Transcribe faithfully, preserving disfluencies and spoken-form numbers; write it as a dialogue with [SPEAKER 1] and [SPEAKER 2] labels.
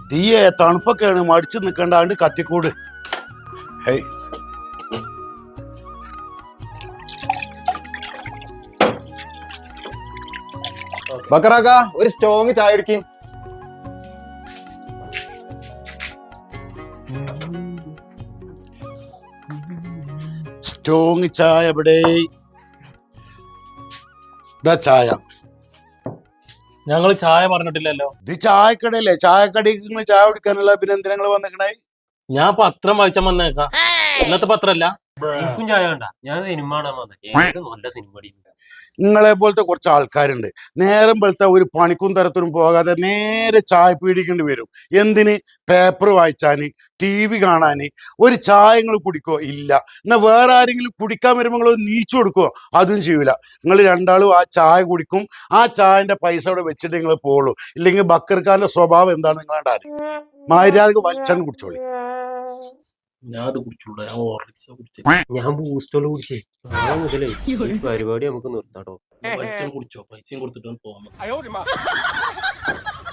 [SPEAKER 1] തീയെ തണുപ്പൊക്കെയാണ് മടിച്ചു നിൽക്കണ്ടാണ്ട് കത്തിക്കൂട്. ഹേയ്
[SPEAKER 2] ബക്കറാക്ക ഒരു സ്ട്രോങ് ചായ എടുക്കും.
[SPEAKER 1] സ്ട്രോങ് ചായ എവിടെ? ഇതാ ചായ.
[SPEAKER 3] ഞങ്ങള് ചായ പറഞ്ഞിട്ടില്ലല്ലോ.
[SPEAKER 1] ഇത് ചായക്കടയല്ലേ? ചായക്കടയ്ക്ക് നിങ്ങൾ ചായ കുടിക്കാനുള്ള പിന്നെ എന്തിനാ നിങ്ങൾ വന്നിക്കണേ?
[SPEAKER 3] ഞാൻ പത്രം വായിച്ചാൻ വന്നേക്കാം. ഇന്നത്തെ പത്രല്ല.
[SPEAKER 4] എനിക്കും ചായ വേണ്ട, ഞാൻ സിനിമ കാണാൻ വന്നേ. നല്ല സിനിമ.
[SPEAKER 1] നിങ്ങളെ പോലത്തെ കുറച്ച് ആൾക്കാരുണ്ട്, നേരം പോലത്തെ ഒരു പണിക്കും തരത്തിനും പോകാതെ നേരെ ചായ പീടിക്കേണ്ടി വരും. എന്തിന്? പേപ്പർ വായിച്ചാന്, ടി വി കാണാന്. ഒരു ചായ നിങ്ങൾ കുടിക്കോ? ഇല്ല. എന്നാൽ വേറെ ആരെങ്കിലും കുടിക്കാൻ വരുമ്പോൾ നിങ്ങൾ നീച്ചു കൊടുക്കുമോ? അതും ചെയ്യൂല. നിങ്ങൾ രണ്ടാളും ആ ചായ കുടിക്കും, ആ ചായന്റെ പൈസ അവിടെ വെച്ചിട്ട് നിങ്ങൾ പോകുള്ളൂ. ഇല്ലെങ്കിൽ ബക്കർക്കാരന്റെ സ്വഭാവം എന്താണ് നിങ്ങളുടെ അറിയാം. മര്യാദക്ക് വലിച്ചാണ് കുടിച്ചോളി.
[SPEAKER 3] ഞാൻ അത് കുടിച്ചോളൂ. ഞാൻ ഹോർലിക്സ് കുടിച്ചു.
[SPEAKER 4] ഞാൻ ബൂസ്റ്റോള് കുടിച്ചേ. നാളെ മുതലേ ഈ പരിപാടി നമുക്ക് നിർത്താട്ടോ.
[SPEAKER 3] കുടിച്ചോ, പൈസയും കൊടുത്തിട്ട് പോകാൻ.